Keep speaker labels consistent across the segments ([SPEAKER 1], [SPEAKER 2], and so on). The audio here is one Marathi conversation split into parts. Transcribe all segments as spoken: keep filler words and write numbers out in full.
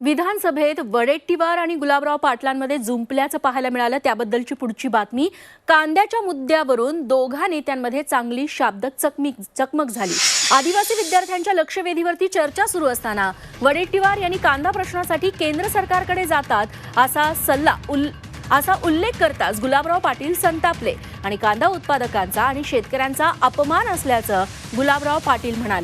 [SPEAKER 1] विधानसभेत वडेट्टीवार आणि गुलाबराव पाटलांमध्ये जुंपल्याचं पाहायला मिळालं। त्याबद्दलची पुढची बातमी। कांद्याच्या मुद्द्यावरून दोघा नेत्यांमध्ये चांगली शाब्दिक चकमक चकमक झाली। आदिवासी विद्यार्थ्यांच्या लक्षवेधीवरती चर्चा सुरू असताना वडेट्टीवार यांनी कांदा प्रश्नासाठी केंद्र सरकारकडे जातात असा सल्ला उल असा उल्लेख करताच गुलाबराव पाटील संतापले आणि कांदा उत्पादकांचा आणि शेतकऱ्यांचा अपमान असल्याचं गुलाबराव पाटील म्हणाले।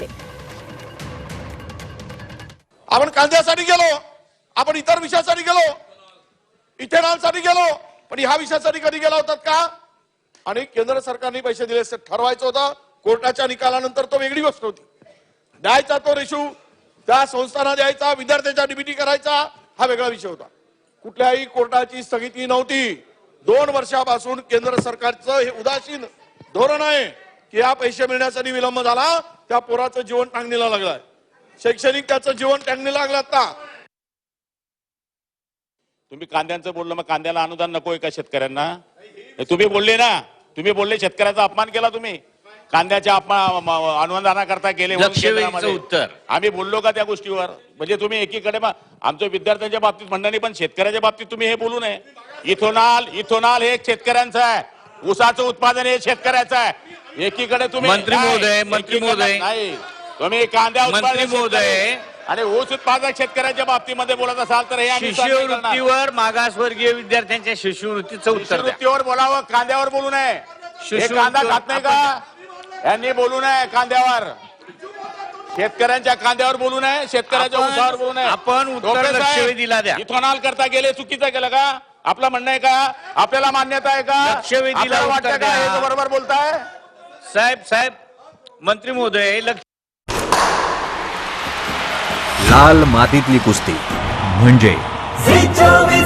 [SPEAKER 2] आपण कांद्यासाठी गेलो, आपण इतर विषयासाठी गेलो, इथेनॉलसाठी गेलो, पण ह्या विषयासाठी कधी गेला होतात का? आणि केंद्र सरकारने पैसे दिले असते ठरवायचं होतं। कोर्टाच्या निकालानंतर तो वेगळी गोष्ट होती। द्यायचा तो रेशू त्या संस्थांना द्यायचा, विद्यार्थ्यांचा डीबीटी करायचा, हा वेगळा विषय होता। कुठल्याही कोर्टाची स्थगिती नव्हती। दोन वर्षापासून केंद्र सरकारचं हे उदासीन धोरण आहे की या पैसे मिळण्यासाठी विलंब झाला, त्या पोराचं जीवन टांगणीला लागलाय, शैक्षणिक त्याचं जीवन टांगणीला लागलं। आता
[SPEAKER 3] तुम्ही कांद्यांचं बोललं, मग कांद्याला अनुदान नकोय का शेतकऱ्यांना? तुम्ही बोलले ना, तुम्ही बोलले शेतकऱ्याचा अपमान केला तुम्ही, कांद्याच्या अपमान अनुदानाकरता केले
[SPEAKER 4] उत्तर
[SPEAKER 3] आम्ही बोललो का त्या गोष्टीवर? म्हणजे तुम्ही एकीकडे आमच्या विद्यार्थ्यांच्या बाबतीत म्हणणं नाही, पण शेतकऱ्याच्या बाबतीत तुम्ही हे बोलू नये। इथेनॉल इथेनॉल हे शेतकऱ्यांचं आहे, ऊसाचं उत्पादन हे शेतकऱ्याचं आहे। एकीकडे तुम्ही
[SPEAKER 4] मंत्री महोदय मंत्री महोदय
[SPEAKER 3] नाही, तुम्ही कांद्या
[SPEAKER 4] मंत्री महोदय
[SPEAKER 3] आणि ऊस उत्पादक शेतकऱ्याच्या बाबतीमध्ये बोलत असाल तर हे आम्ही
[SPEAKER 4] शिष्यवृत्तीवर मागासवर्गीय विद्यार्थ्यांच्या शिष्यवृत्तीचं उत्तर द्या।
[SPEAKER 3] शिष्यवृत्तीवर बोलावं, कांद्यावर बोलू नये। हे कांदा खात नाही का? यांनी बोलू नये कांद्यावर, शेतकऱ्यांच्या कांद्यावर बोलू नये, शेतकऱ्याच्या ऊसावर बोलू नये।
[SPEAKER 4] आपण उत्तर लक्षवेधीला द्या।
[SPEAKER 3] इथेनॉल करता गेले, चुकीचं केलं का? आपलं म्हणणं आहे का? आपल्याला मान्यता आहे का?
[SPEAKER 4] लक्षवेधीला
[SPEAKER 3] वाटतं का हे बरोबर बोलताय?
[SPEAKER 4] साहेब साहेब मंत्री महोदय,
[SPEAKER 5] लाल मातीतली कुस्ती म्हणजे